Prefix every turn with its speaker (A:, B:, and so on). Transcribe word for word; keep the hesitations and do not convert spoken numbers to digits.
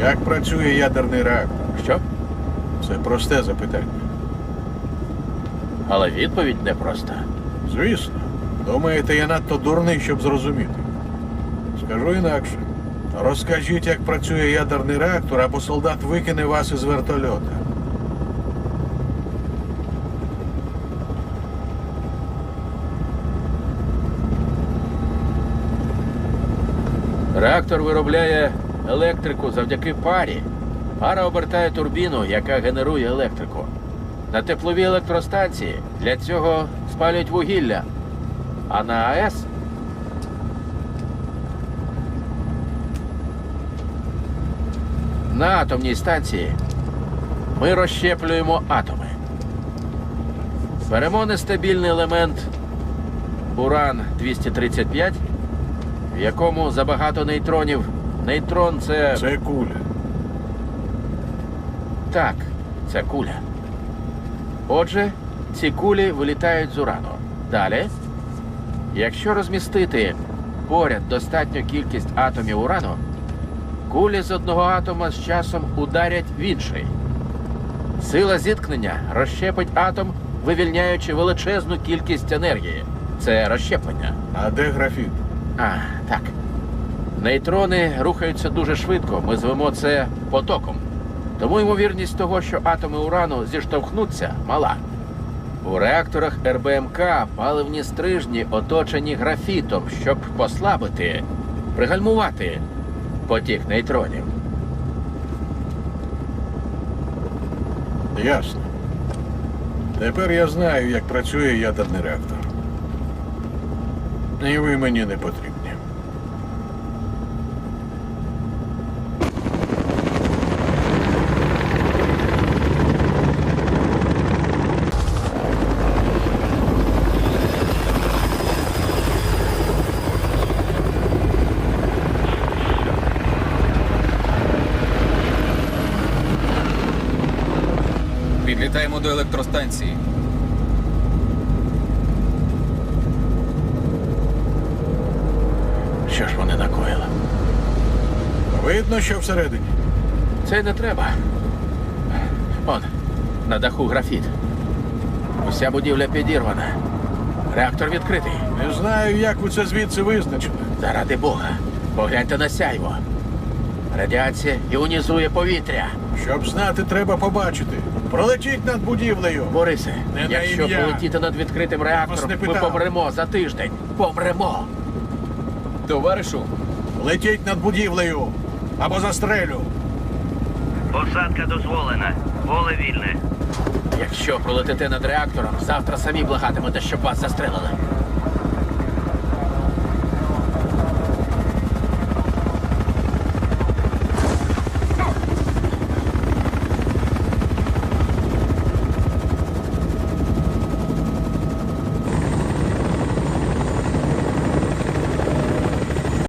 A: Як працює ядерний реактор?
B: Що?
A: Це просте запитання.
B: Але відповідь непроста.
A: Звісно. Думаєте, я надто дурний, щоб зрозуміти? Скажу інакше. Розкажіть, як працює ядерний реактор, або солдат викине вас із вертольота.
B: Реактор виробляє електрику завдяки парі. Пара обертає турбіну, яка генерує електрику. На тепловій електростанції для цього спалюють вугілля. А на АЕС на атомній станції ми розщеплюємо атоми. Беремо нестабільний елемент уран двісті тридцять п'ять, в якому забагато нейтронів. Нейтрон – це...
A: Це куля.
B: Так, це куля. Отже, ці кулі вилітають з урану. Далі, якщо розмістити поряд достатню кількість атомів урану, кулі з одного атома з часом ударять в інший. Сила зіткнення розщепить атом, вивільняючи величезну кількість енергії. Це розщеплення.
A: А де графіт?
B: А, так. Нейтрони рухаються дуже швидко, ми звемо це потоком. Тому ймовірність того, що атоми урану зіштовхнуться, мала. У реакторах ер бе ем ка паливні стрижні оточені графітом, щоб послабити, пригальмувати потік нейтронів.
A: Ясно. Тепер я знаю, як працює ядерний реактор. І ви мені не потрібні.
C: Підлітаємо до електростанції.
B: Що ж вони накоїли?
A: Видно, що всередині.
B: Це й не треба. Он, на даху графіт. Уся будівля підірвана. Реактор відкритий.
A: Не знаю, як ви це звідси визначили.
B: Заради Бога, погляньте на сяйво. Радіація іонізує повітря.
A: Щоб знати, треба побачити. Пролетіть над будівлею.
B: Борисе,
A: Не на
B: якщо
A: ім'я.
B: полетіти над відкритим
A: Вас
B: реактором,
A: не
B: ми
A: питав.
B: помремо за тиждень. Помремо.
C: Товаришу,
A: Летіть над будівлею. Або застрелю.
D: Посадка дозволена. Поле вільне.
B: Якщо пролетите над реактором, завтра самі благатимете, щоб вас застрелили.